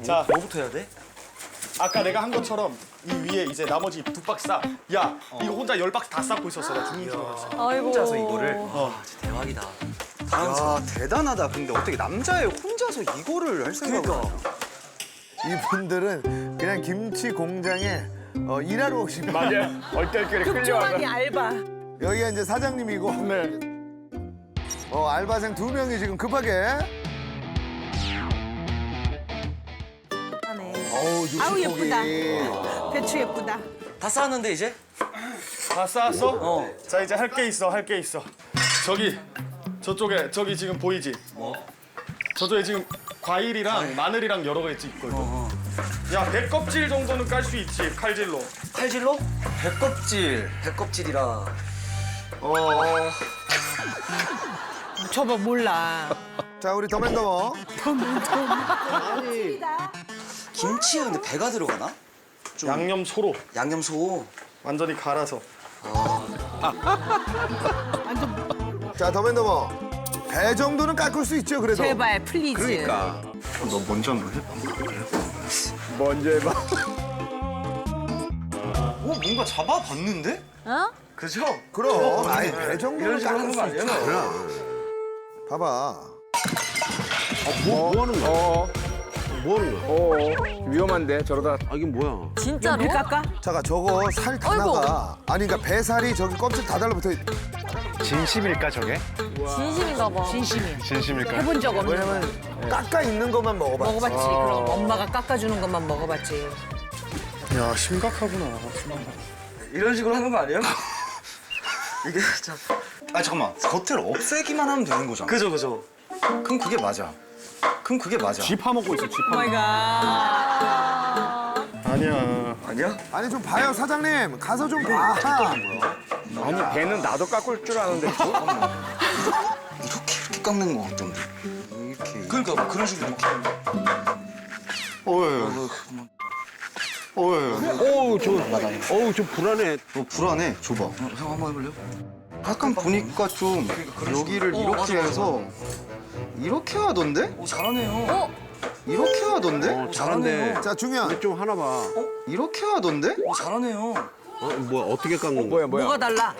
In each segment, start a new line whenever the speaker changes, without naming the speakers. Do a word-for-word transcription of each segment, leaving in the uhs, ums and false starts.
자,
뭐부터 해야 돼?
아까 내가 한 것처럼 이 위에 이제 나머지 두 박스 싸. 야, 이거 혼자 열 박스 다 쌓고 있었어. 나 중국집으로.
아이고.
혼자서 이거를. 와, 진짜 대박이다.
야 대단하다. 근데 어떻게 남자애 혼자서 이거를 할 생각을
그러니까.
하냐?
이분들은 그냥 김치 공장에 어, 일하러 오신 분.
맞아요. 얼떨결에 끌려와서.
급조하니 알바.
여기가 이제 사장님이고
네.
어, 알바생 두 명이 지금 급하게.
하네.
어우,
아우
육식고기.
예쁘다. 배추 예쁘다.
다 쌓았는데 이제?
다 쌓았어?
어.
자, 이제 할 게 있어. 할 게 있어. 저기 저쪽에 저기 지금 보이지?
뭐?
저쪽에 지금 과일이랑 마늘이랑 여러 가지 있거든. 야, 배 껍질 정도는 깔 수 있지. 칼질로.
칼질로? 배껍질. 배껍질이라. 어.
저거 몰라.
자, 우리 더맨더머.
김치에 근데 배가 들어가나? 좀
양념 소로
양념소.
완전히 갈아서.
자, 더맨더머. 배 정도는 깎을 수 있죠, 그래도.
제발 플리즈.
그러니까.
너 먼저 한번 해.
먼저 해봐.
어 뭔가 잡아봤는데?
어?
그죠?
그럼. 아니, 배 정도는
이런 식으로
깎을
하는 거
수
아니에요?
있죠. 봐봐.
뭐, 뭐 하는 거야? 어. 뭐 하는 거야? 어. 위험한데 저러다. 아 이게 뭐야?
진짜로? 배 깎아?
잠깐, 저거 살 다
아이고.
나가. 아니, 그러니까 배살이 저기 껍질 다 달라붙어. 있-
진심일까 저게?
진심인가 봐. 진심이야.
진심일까?
해본 적 없는
왜냐면 깎아 있는 것만 먹어봤지.
먹어봤지. 그럼 엄마가 깎아주는 것만 먹어봤지.
야, 심각하구나.
이런 식으로 하는 거 아니에요? 이게 진짜.
아 잠깐만. 겉을 없애기만 하면 되는 거잖아.
그죠, 그죠.
그럼 그게 맞아. 그럼 그게 맞아.
쥐 파먹고 있어. 쥐
오
파.
마이 갓.
아니야.
아니야?
아니, 좀 봐요, 사장님. 가서 좀 봐.
아니 배는 나도 깎을 줄 아는데.
이렇게 이렇게 깎는 거 같던데. 이렇게.
그러니까 뭐 그런 식으로 이렇게.
어이. 어이.
어우 저. 어우 저 불안해.
너 불안해. 줘봐.
어, 형 한번 해볼래요?
약간 보니까 좀 여기를
어,
이렇게
맞아, 맞아.
해서 이렇게 하던데?
오, 잘하네요.
이렇게 하던데?
어 잘한데.
자, 중요한.
좀 하나 봐.
이렇게 하던데?
오, 잘하네요.
어 뭐야 어떻게 깎는 거야? 뭐야 뭐야?
뭐가 달라?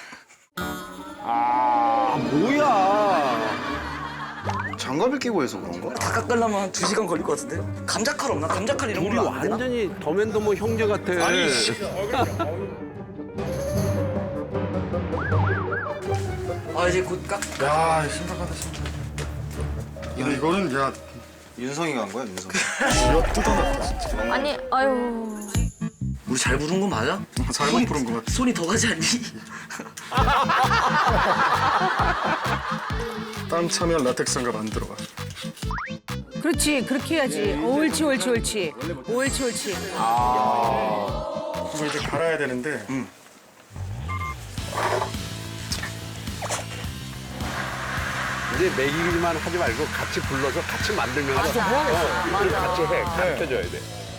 아 뭐야?
장갑을 끼고 해서 그런가?
다 깎으려면 한 두 시간 걸릴 것 같은데? 감자칼 없나? 감자칼 이런
우리
걸로 안 되나?
완전히 더맨더머 형제 같아.
아니, 씨.
아, 이제 곧 깎.
야, 심각하다, 심각하다. 야, 이거는 야,
윤성이가 한 거야, 윤성이.
쥐어 뜯어놨다, 진짜.
아니, 아유.
우리 잘 부른 거 맞아?
잘못 부른 거 같아.
손이 더 가지 않니?
땀 차면 라텍스 장갑 안 들어가.
그렇지. 그렇게 해야지. 옳지, 옳지, 옳지. 옳지, 옳지.
이거 이제 갈아야 되는데.
이제 먹이기만 하지 말고 같이 불러서 같이 만들면 맞아. 어, 이걸 같이 해. 가르쳐줘야 돼.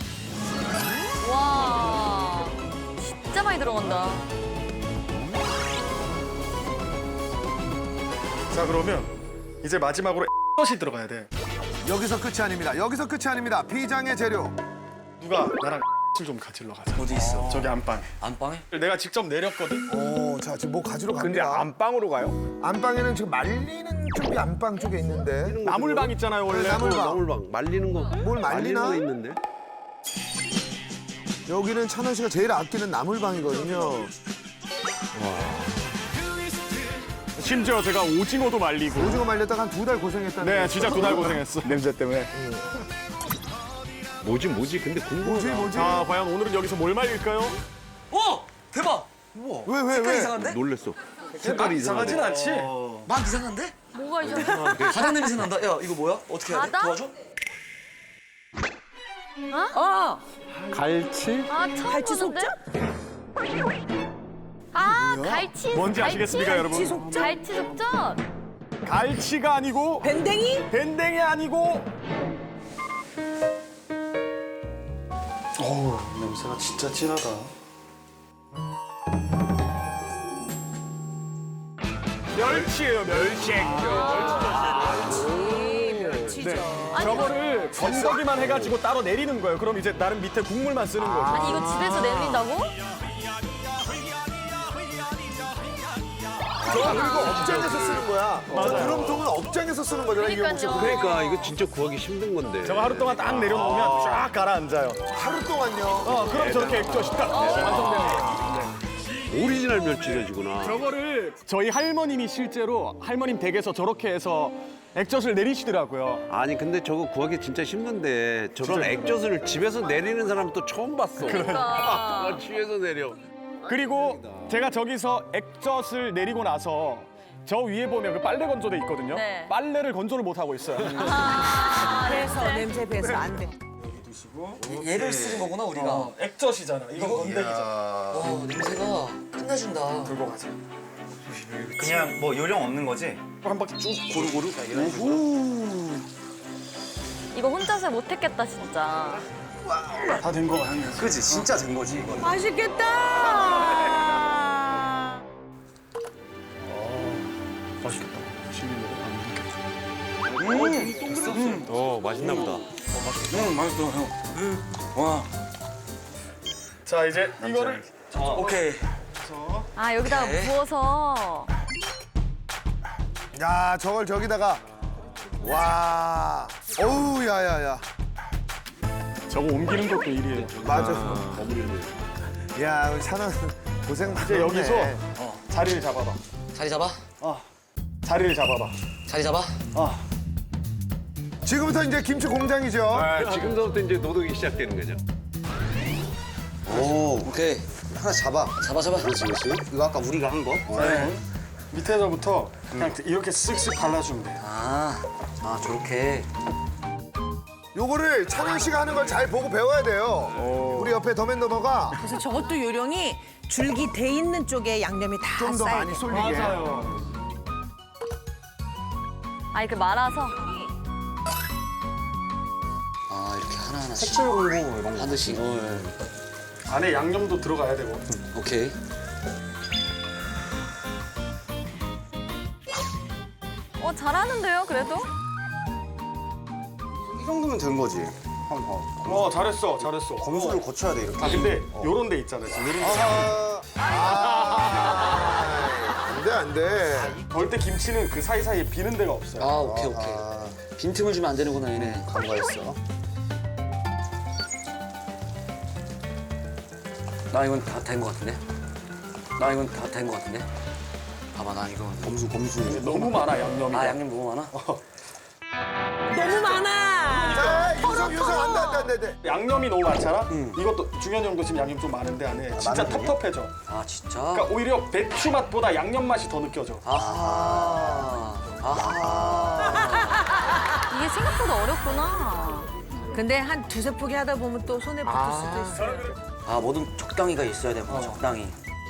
와, 진짜 많이 들어간다.
자, 그러면 이제 마지막으로 엇이 들어가야 돼.
여기서 끝이 아닙니다. 여기서 끝이 아닙니다. 비장의 재료.
누가 나랑 좀 가지러 가자.
어디 있어?
저기 안방에.
안방에?
내가 직접 내렸거든.
오, 자, 지금 뭐 가지러
근데
갑니다.
안방으로 가요?
안방에는 지금 말리는 쪽이 안방 쪽에 있는데.
나물방 있잖아요, 원래.
그래, 나물방.
나물방 말리는 거.
뭘
말리는
말리나?
거 있는데.
여기는 찬원 씨가 제일 아끼는 나물방이거든요.
심지어 제가 오징어도 말리고.
오징어 말렸다가 한 두 달 고생했다는.
네,
거.
진짜 두 달 고생했어.
냄새 때문에. 뭐지 뭐지 근데
뭐지,
궁금하다.
뭐지?
자, 과연 오늘은 여기서 뭘 말릴까요?
어! 대박!
왜, 왜,
색깔
왜?
이상한데?
놀랬어.
색깔이 이상하진 않지.
막 이상한데?
뭐가 이상해?
바닥 냄새 난다. 야, 이거 뭐야? 어떻게 해야 돼?
바다?
도와줘?
어.
갈치?
아, 처음
갈치
보는데?
속젓?
아, 갈치.
뭔지
갈치?
아시겠습니까, 여러분?
갈치 속젓?
갈치 속젓.
갈치가 아니고
밴댕이?
밴댕이 아니고. 어우, 냄새가 진짜 진하다. 멸치예요, 멸치.
멸치, 멸치죠.
네.
아니,
저거를 건더기만 해가지고 따로 내리는 거예요. 그럼 이제 나름 밑에 국물만 쓰는 거죠.
아니 이거 집에서 내린다고?
저 그리고 업장에서 쓰는 거야. 저 드럼통은 업장에서 쓰는 거잖아, 이경복 씨.
그러니까요.
그러니까 이거 진짜 구하기 힘든 건데.
저거 하루 동안 딱 내려놓으면 쫙 가라앉아요.
하루 동안요.
어, 그럼 저렇게 액젓이 딱 완성되는 거예요.
오리지널 멸치젓이구나.
저거를 저희 할머님이 실제로 할머님 댁에서 저렇게 해서 액젓을 내리시더라고요.
아니 근데 저거 구하기 진짜 힘든데 저런 액젓을 집에서 내리는 사람 또 처음 봤어.
그러니까.
집에서 내려.
그리고 제가 저기서 액젓을 내리고 나서 저 위에 보면 그 빨래 건조대 있거든요.
네.
빨래를 건조를 못 하고 있어요.
아,
배서 냄새 배서 안 돼.
얘를 쓰는 거구나 우리가.
액젓이잖아. 이건 건더기잖아.
와 냄새가 끝내준다.
들고 가세요.
그냥 뭐 요령 없는 거지?
한 바퀴 쭉 고루고루.
이거 혼자서 못했겠다 진짜.
다 된 거 같아요.
그지 진짜 된 거지 이건.
맛있겠다.
맛있겠다.
어 맛있나 보다.
응 맛있어 형. 와
자 이제 이거를
오케이.
아 여기다가
네.
부어서.
야, 저걸 저기다가. 와. 어우, 야야야.
저거 옮기는 것도 일이에요.
맞아. 야, 우리 찬원 고생 많네.
이제 여기서 자리를 잡아봐.
자리 잡아.
어. 자리를 잡아봐.
자리 잡아.
어.
지금부터 이제 김치 공장이죠.
아, 지금부터 이제 노동이 시작되는 거죠.
오,
오케이.
하나 잡아.
잡아 잡아.
그렇지, 그렇지. 이거 아까 우리가 한 거.
네. 밑에서부터 그냥 이렇게 쓱쓱 발라주면 돼요.
아, 아 저렇게.
요거를 찬원 씨가 하는 걸 잘 보고 배워야 돼요. 우리 옆에 더맨더머가
그래서 저것도 요령이 줄기 돼 있는 쪽에 양념이 다
좀 더
쌓여.
많이 쏠리게.
맞아요.
아 이렇게 말아서.
아 이렇게 하나 하나. 색칠 공부 이런 거 하듯이.
안에 양념도 들어가야 되고.
오케이.
어 잘하는데요 그래도?
이 정도면 된 거지.
어 잘했어 잘했어.
검수를 거쳐야 돼 이렇게.
아 근데 요런 데 있잖아요. 지금 요런 데.
아, 아, 안 돼, 안 돼.
절대 김치는 그 사이사이에 비는 데가 없어요.
아 오케이 오케이. 빈틈을 주면 안 되는구나 얘네.
간과했어.
나 이건 다 된 거 같은데. 나 이건 다 된 거 같은데. 봐봐 나 이거.
검수, 검수.
너무 많아 양념이.
아 양념 너무 많아.
너무 많아.
자, 유성, 유성, 안 돼, 안 돼, 안 돼, 안 돼.
양념이 너무 많잖아. 이것도 중현이 형도 지금 양념 좀 많은데 안에 진짜
많은 편이야?
텁텁해져.
아 진짜.
그러니까 오히려 배추 맛보다 양념 맛이 더 느껴져.
아하. 아하.
이게 생각보다 어렵구나.
근데 한 두세 포기 하다 보면 또 손에 붙을 수도 있어.
아 뭐든 적당히가 있어야 돼. 뭐 적당히.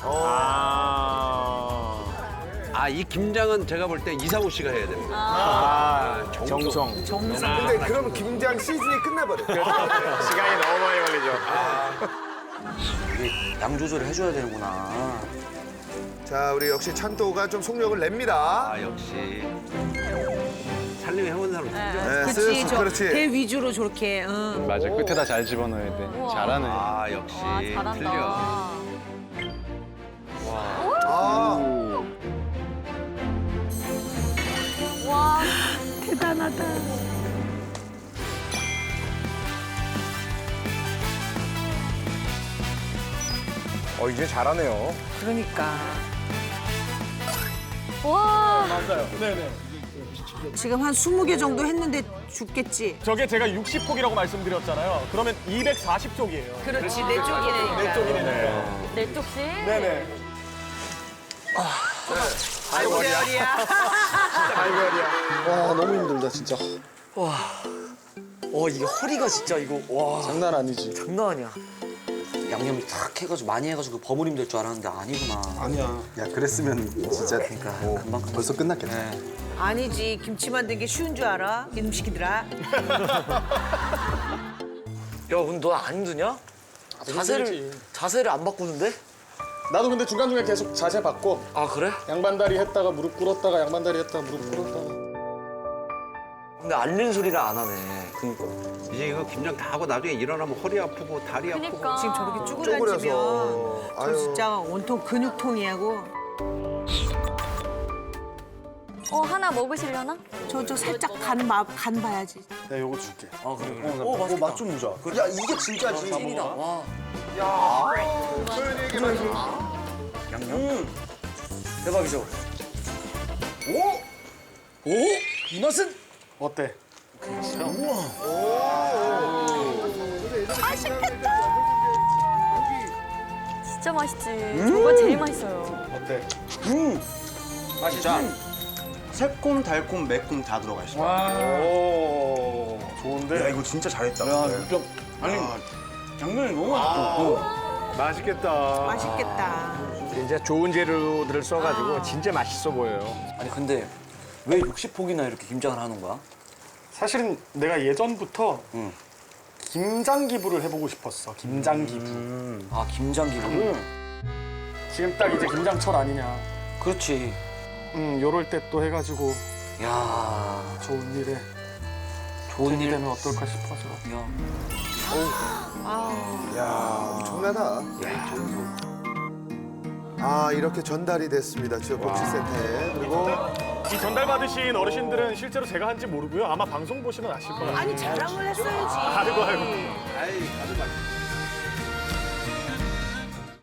아 이 김장은 제가 볼 때 이상우 씨가 해야 됩니다.
아, 정성.
근데 그러면 김장 시즌이 끝나버려.
시간이 너무 많이 걸리죠.
이게 양 조절을 해줘야 되는구나.
자, 우리 역시 찬또가 좀 속력을 냅니다.
아 역시 살림에 해본 사람 진짜.
네,
그렇지,
쓱쓱,
저
그렇지.
대 위주로 저렇게. 응.
맞아 끝에다 잘 집어넣어야 돼.
우와.
잘하네.
아 역시
와 잘한다.
틀려.
아,
와
대단하다.
어, 이제 잘하네요.
그러니까.
와.
맞아요. 네네.
지금 한 스무 개 정도 했는데 죽겠지.
저게 제가 육십 폭이라고 말씀드렸잖아요. 그러면 이백사십 쪽이에요.
그렇지, 내 쪽이니까.
내 쪽이네요.
네 쪽씩.
네네.
아이고야.
와, 너무 힘들다, 진짜.
어 이게 허리가 진짜 이거 와
장난 아니지.
장난 아니야. 양념 탁 해가지고 많이 해가지고 버무림 될 줄 알았는데 아니구나.
아니야.
야, 그랬으면 진짜
그러니까
뭐
금방 금방.
벌써 끝났겠다.
네.
아니지, 김치 만든 게 쉬운 줄 알아? 이놈 시키더라.
야 근데 너 안 힘드냐? 자세를 자세를 안 바꾸는데?
나도 근데 중간중간 계속 자세 바꿔.
아 그래?
양반다리 했다가 무릎 꿇었다가 양반다리 했다가 무릎 꿇었다가.
근데 앓는 소리를 안 하네.
그러니까 이제 이거 김장 다 하고 나중에 일어나면 허리 아프고 다리 아프고.
그러니까.
지금 저렇게 쭈그려지면
쪼그려서.
저
아유.
진짜 온통 근육통이하고
어 하나 먹으시려나?
저 저 살짝 간, 마, 간 봐야지.
내가 요거 줄게.
아 그래 그래.
오, 맛있다. 맛좀 보자.
야 이게 진짜지.
찐이다. 와.
양념?
대박이죠. 오? 오? 이 맛은?
어때?
진짜 맛있지. 저거 제일 맛있어요.
어때?
진짜 새콤, 달콤, 매콤 다 들어가 있어.
오, 좋은데?
야 이거 진짜 잘했다.
야, 진짜 아니 양념이 너무 맛있고.
맛있겠다.
맛있겠다.
이제 좋은 재료들을 써가지고 진짜 맛있어 보여요.
아니 근데 왜 육십 폭이나 이렇게 김장을 하는 거야?
사실은 내가 예전부터
응.
김장 기부를 해보고 싶었어. 김장 기부.
아 김장 기분.
응. 지금 딱 이제 김장철 아니냐.
그렇지.
응, 요럴 때 또 해가지고
야
좋은 일에
좋은
되게
일.
되면 어떨까 싶어서.
야.
야, 엄청나다. 아, 이렇게 전달이 됐습니다. 지역복지센터에. 그리고
이 전달 받으신 어르신들은 실제로 제가 한지 모르고요. 아마 방송 보시면 아실 거예요.
아니 자랑을 했어야지.
아이고 아이고.
아이 다들 맛있어.